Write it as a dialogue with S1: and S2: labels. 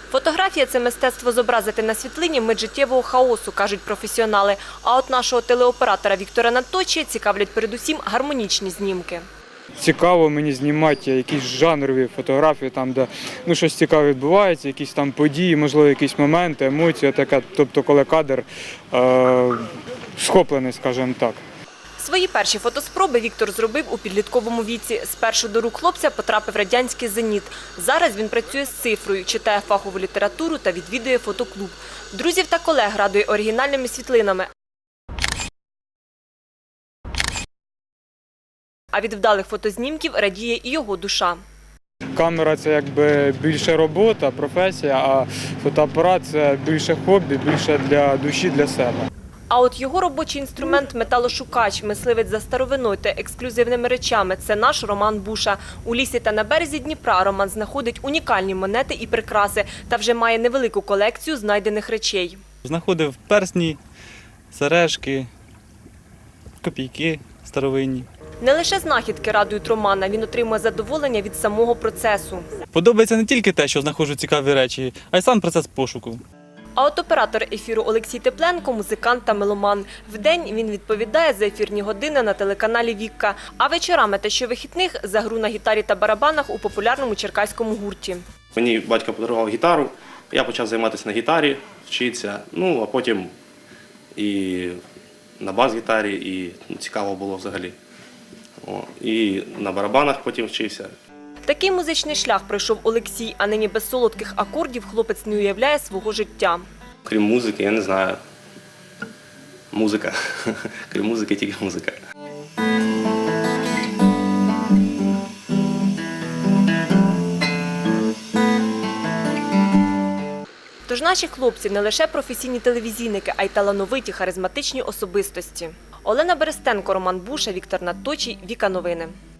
S1: Фотографія – це мистецтво зобразити на світлині мить життєвого хаосу, кажуть професіонали. А от нашого телеоператора Віктора Наточія цікавлять передусім гармонічні знімки.
S2: Цікаво мені знімати якісь жанрові фотографії, там, де щось цікаве відбувається, якісь там події, можливо, якісь моменти, емоції, таке, тобто коли кадр схоплений, скажімо так.
S1: Свої перші фотоспроби Віктор зробив у підлітковому віці. Спершу до рук хлопця потрапив радянський «Зеніт». Зараз він працює з цифрою, читає фахову літературу та відвідує фотоклуб. Друзів та колег радує оригінальними світлинами. А від вдалих фотознімків радіє і його душа.
S2: Камера – це якби більше робота, професія, а фотоапарат – це більше хобі, більше для душі, для себе.
S1: А от його робочий інструмент – металошукач, мисливець за старовиною та ексклюзивними речами – це наш Роман Буша. У лісі та на березі Дніпра Роман знаходить унікальні монети і прикраси та вже має невелику колекцію знайдених речей.
S3: Знаходив персні, сережки, копійки старовинні.
S1: Не лише знахідки радують Романа, він отримує задоволення від самого процесу.
S3: Подобається не тільки те, що знаходжу цікаві речі, а й сам процес пошуку.
S1: А от оператор ефіру Олексій Тепленко – музикант та меломан. Вдень він відповідає за ефірні години на телеканалі «Вікка», а вечорами та щовихідних – за гру на гітарі та барабанах у популярному черкаському гурті.
S4: Мені батько подарував гітару, я почав займатися на гітарі, вчитися, а потім і на бас-гітарі, і цікаво було взагалі. І на барабанах потім вчився.
S1: Такий музичний шлях пройшов Олексій, а нині без солодких акордів хлопець не уявляє свого життя.
S4: Крім музики, я не знаю. Музика. Крім музики, тільки музика.
S1: Тож наші хлопці не лише професійні телевізійники, а й талановиті, харизматичні особистості. Олена Берестенко, Роман Буша, Віктор Наточій, Віка Новини.